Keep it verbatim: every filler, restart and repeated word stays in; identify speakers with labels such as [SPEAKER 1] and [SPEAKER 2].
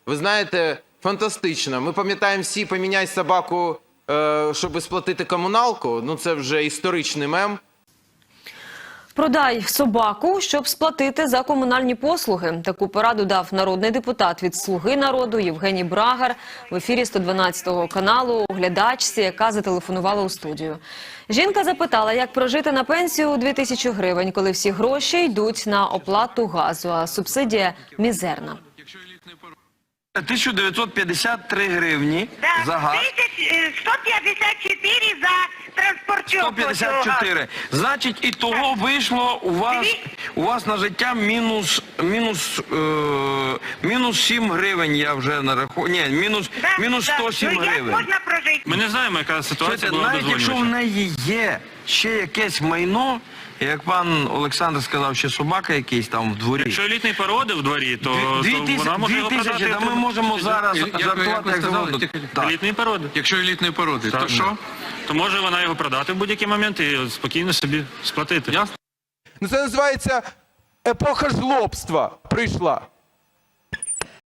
[SPEAKER 1] Ви знаєте, фантастично. Ми пам'ятаємо всі «поміняй собаку, щоб сплатити комуналку». Ну це вже історичний мем.
[SPEAKER 2] Продай собаку, щоб сплатити за комунальні послуги. Таку пораду дав народний депутат від «Слуги народу» Євгеній Брагар в ефірі сто дванадцятого каналу глядачці, яка зателефонувала у студію. Жінка запитала, як прожити на пенсію у дві тисячі гривень, коли всі гроші йдуть на оплату газу, а субсидія мізерна.
[SPEAKER 3] тисяча дев'ятсот п'ятдесят три гривні
[SPEAKER 4] Да,
[SPEAKER 3] за газ.
[SPEAKER 4] сто п'ятдесят чотири за транспортер.
[SPEAKER 3] сто п'ятдесят чотири. Значить, і того вийшло у вас, у вас на життя мінус, мінус, е, мінус сім гривень, я вже нарахую. Ні, мінус,
[SPEAKER 4] Да,
[SPEAKER 3] мінус
[SPEAKER 4] да.
[SPEAKER 3] сто сім
[SPEAKER 4] Ну, як
[SPEAKER 3] гривень.
[SPEAKER 4] можна прожити?
[SPEAKER 5] Ми не знаємо, яка ситуація
[SPEAKER 3] Слухайте,
[SPEAKER 5] була
[SPEAKER 3] навіть якщо в
[SPEAKER 5] дозволювача.
[SPEAKER 3] неї є ще якесь майно, як пан Олександр сказав, ще собака якийсь там в дворі.
[SPEAKER 5] Якщо елітний породи в дворі, то,
[SPEAKER 3] Дві
[SPEAKER 5] то
[SPEAKER 3] тисячі,
[SPEAKER 5] вона може
[SPEAKER 3] дві
[SPEAKER 5] його
[SPEAKER 3] тисячі,
[SPEAKER 5] продати.
[SPEAKER 3] та ми можемо зараз
[SPEAKER 6] Як- як ви
[SPEAKER 3] жартувати як
[SPEAKER 6] сказали,
[SPEAKER 3] завгодно.
[SPEAKER 6] тільки-
[SPEAKER 3] Так.
[SPEAKER 5] Елітний породи.
[SPEAKER 6] Якщо елітної породи, то що?
[SPEAKER 5] То може вона його продати в будь-який момент і спокійно собі сплатити.
[SPEAKER 6] Ясно?
[SPEAKER 1] Ну це називається епоха жлобства прийшла.